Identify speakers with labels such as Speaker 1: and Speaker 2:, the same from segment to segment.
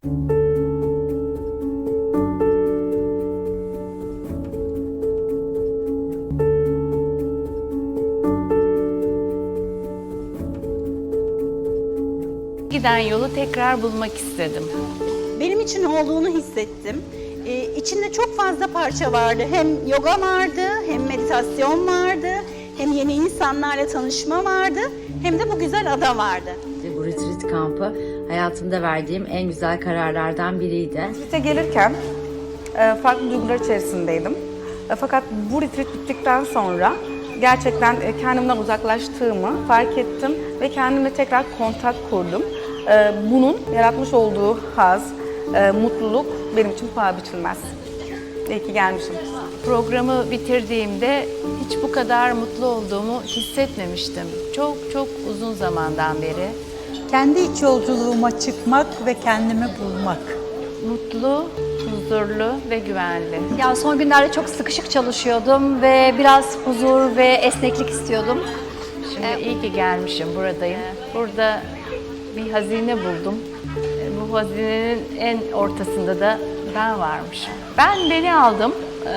Speaker 1: Giden yolu tekrar bulmak istedim.
Speaker 2: Benim için olduğunu hissettim. İçinde çok fazla parça vardı. Hem yoga vardı, hem meditasyon vardı, hem yeni insanlarla tanışma vardı, hem de bu güzel ada vardı.
Speaker 3: Bu retreat kampı hayatımda verdiğim en güzel kararlardan biriydi.
Speaker 4: Retreat'e gelirken farklı duygular içerisindeydim. Fakat bu retreat bittikten sonra gerçekten kendimden uzaklaştığımı fark ettim ve kendimle tekrar kontak kurdum. Bunun yaratmış olduğu haz, mutluluk benim için paha biçilmez. İyi ki gelmişim.
Speaker 1: Programı bitirdiğimde hiç bu kadar mutlu olduğumu hissetmemiştim. Çok çok uzun zamandan beri.
Speaker 5: Kendi iç yolculuğuma çıkmak ve kendimi bulmak.
Speaker 1: Mutlu, huzurlu ve güvenli.
Speaker 6: Ya son günlerde çok sıkışık çalışıyordum ve biraz huzur ve esneklik istiyordum.
Speaker 1: Şimdi iyi ki gelmişim, buradayım. Burada bir hazine buldum. Bu hazinenin en ortasında da ben varmışım. Ben beni aldım,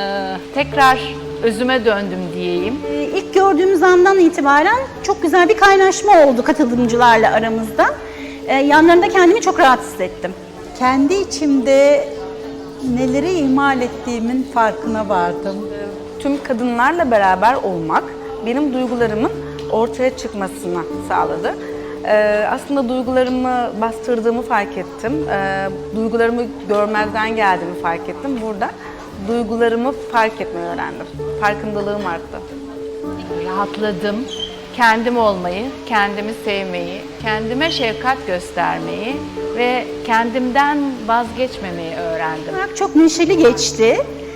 Speaker 1: tekrar özüme döndüm diyeyim.
Speaker 2: İlk gördüğümüz andan itibaren çok güzel bir kaynaşma oldu katılımcılarla aramızda. Yanlarında kendimi çok rahat hissettim.
Speaker 5: Kendi içimde neleri ihmal ettiğimin farkına vardım.
Speaker 4: Tüm kadınlarla beraber olmak benim duygularımın ortaya çıkmasını sağladı. Aslında duygularımı bastırdığımı fark ettim. Duygularımı görmezden geldiğimi fark ettim. Burada duygularımı fark etmeyi öğrendim. Farkındalığım arttı.
Speaker 1: Rahatladım. Kendim olmayı, kendimi sevmeyi, kendime şefkat göstermeyi ve kendimden vazgeçmemeyi öğrendim.
Speaker 2: Çok neşeli geçti.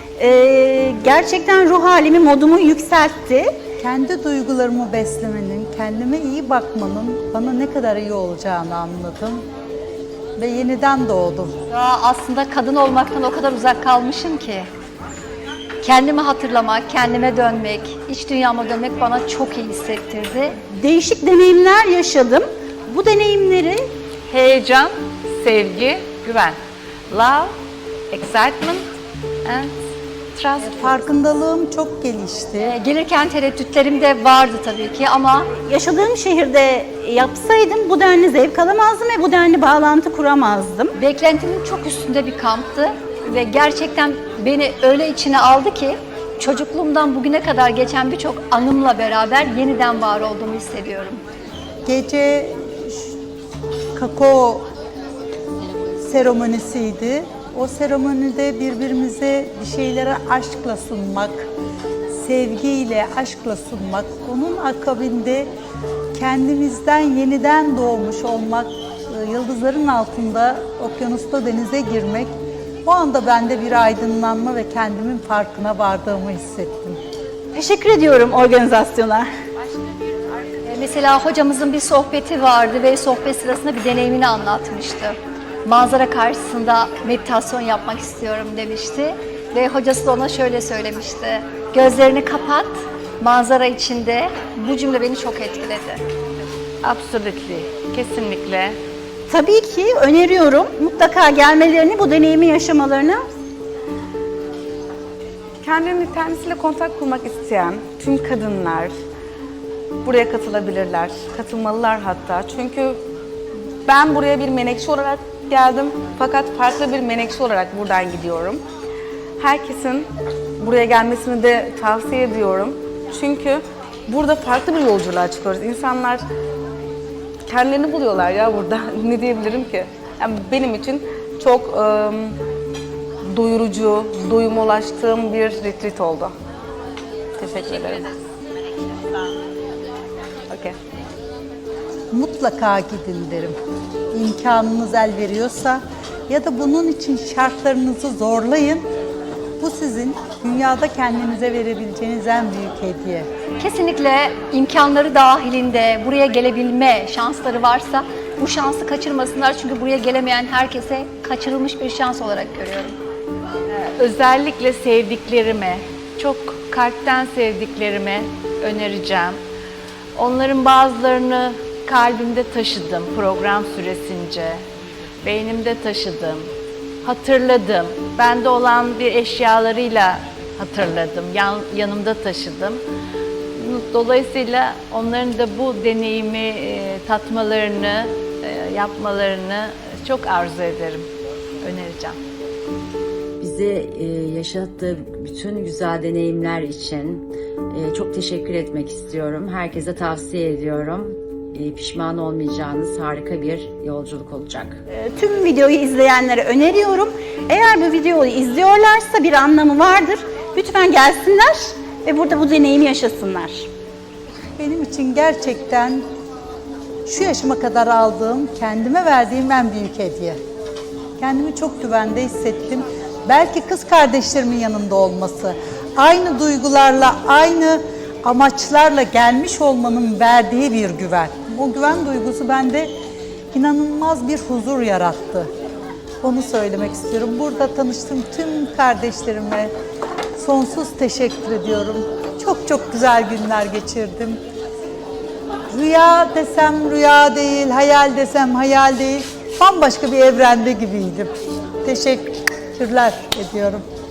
Speaker 2: Gerçekten ruh halimi, modumu yükseltti.
Speaker 5: Kendi duygularımı beslemenin, kendime iyi bakmanın bana ne kadar iyi olacağını anladım. Ve yeniden doğdum.
Speaker 6: Ya aslında kadın olmaktan o kadar uzak kalmışım ki. Kendimi hatırlamak, kendime dönmek, iç dünyama dönmek bana çok iyi hissettirdi.
Speaker 2: Değişik deneyimler yaşadım. Bu deneyimleri
Speaker 1: Heyecan, sevgi, güven. Love, excitement and trust.
Speaker 5: Farkındalığım çok gelişti.
Speaker 6: Gelirken tereddütlerim de vardı tabii ki ama
Speaker 2: yaşadığım şehirde yapsaydım bu denli zevk alamazdım ve bu denli bağlantı kuramazdım.
Speaker 6: beklentimin çok üstünde bir kamptı ve gerçekten beni öyle içine aldı ki çocukluğumdan bugüne kadar geçen birçok anımla beraber yeniden var olduğumu hissediyorum.
Speaker 5: Gece kakao seremonisiydi. O seremonide birbirimize bir şeylere aşkla sunmak, sevgiyle, aşkla sunmak, onun akabinde kendimizden yeniden doğmuş olmak, yıldızların altında, okyanusta denize girmek, o anda bende bir aydınlanma ve kendimin farkına vardığımı hissettim.
Speaker 2: Teşekkür ediyorum organizasyona.
Speaker 6: Mesela hocamızın bir sohbeti vardı ve sohbet sırasında bir deneyimini anlatmıştı. Manzara karşısında meditasyon yapmak istiyorum demişti ve hocası da ona şöyle söylemişti. Gözlerini kapat, manzara içinde. Bu cümle beni çok etkiledi.
Speaker 1: Absolutely, kesinlikle.
Speaker 2: Tabii ki öneriyorum mutlaka gelmelerini, bu deneyimi yaşamalarını.
Speaker 4: Kendisiyle kontak kurmak isteyen tüm kadınlar buraya katılabilirler, katılmalılar hatta. Çünkü ben buraya bir menekşe olarak geldim fakat farklı bir menekşe olarak buradan gidiyorum. Herkesin buraya gelmesini de tavsiye ediyorum. Çünkü burada farklı bir yolculuğa çıkıyoruz. İnsanlar kendilerini buluyorlar ya burada. Ne diyebilirim ki? Yani benim için çok doyurucu, doyuma ulaştığım bir retreat oldu. Teşekkür ederim. Okay.
Speaker 5: Mutlaka gidin derim. İmkanınız el veriyorsa ya da bunun için şartlarınızı zorlayın. Bu sizin dünyada kendinize verebileceğiniz en büyük hediye.
Speaker 6: Kesinlikle imkanları dahilinde buraya gelebilme şansları varsa bu şansı kaçırmasınlar. Çünkü buraya gelemeyen herkese kaçırılmış bir şans olarak görüyorum.
Speaker 1: Özellikle sevdiklerime, çok kalpten sevdiklerime önereceğim. Onların bazılarını kalbimde taşıdım program süresince. beynimde taşıdım, hatırladım. Bende olan bir eşyalarıyla hatırladım, yanımda taşıdım. Dolayısıyla onların da bu deneyimi tatmalarını, yapmalarını çok arzu ederim, önereceğim.
Speaker 3: Bize yaşattığı bütün güzel deneyimler için çok teşekkür etmek istiyorum. Herkese tavsiye ediyorum. Pişman olmayacağınız harika bir yolculuk olacak.
Speaker 2: Tüm videoyu izleyenlere öneriyorum. Eğer bu videoyu izliyorlarsa bir anlamı vardır. Lütfen gelsinler ve burada bu deneyimi yaşasınlar.
Speaker 5: Benim için gerçekten şu yaşıma kadar aldığım, kendime verdiğim en büyük hediye. Kendimi çok güvende hissettim. Belki kız kardeşlerimin yanında olması, aynı duygularla, aynı amaçlarla gelmiş olmanın verdiği bir güven. O güven duygusu bende inanılmaz bir huzur yarattı. Onu söylemek istiyorum. Burada tanıştığım tüm kardeşlerime sonsuz teşekkür ediyorum. Çok çok güzel günler geçirdim. Rüya desem rüya değil, hayal desem hayal değil. Bambaşka bir evrende gibiydim. Teşekkürler ediyorum.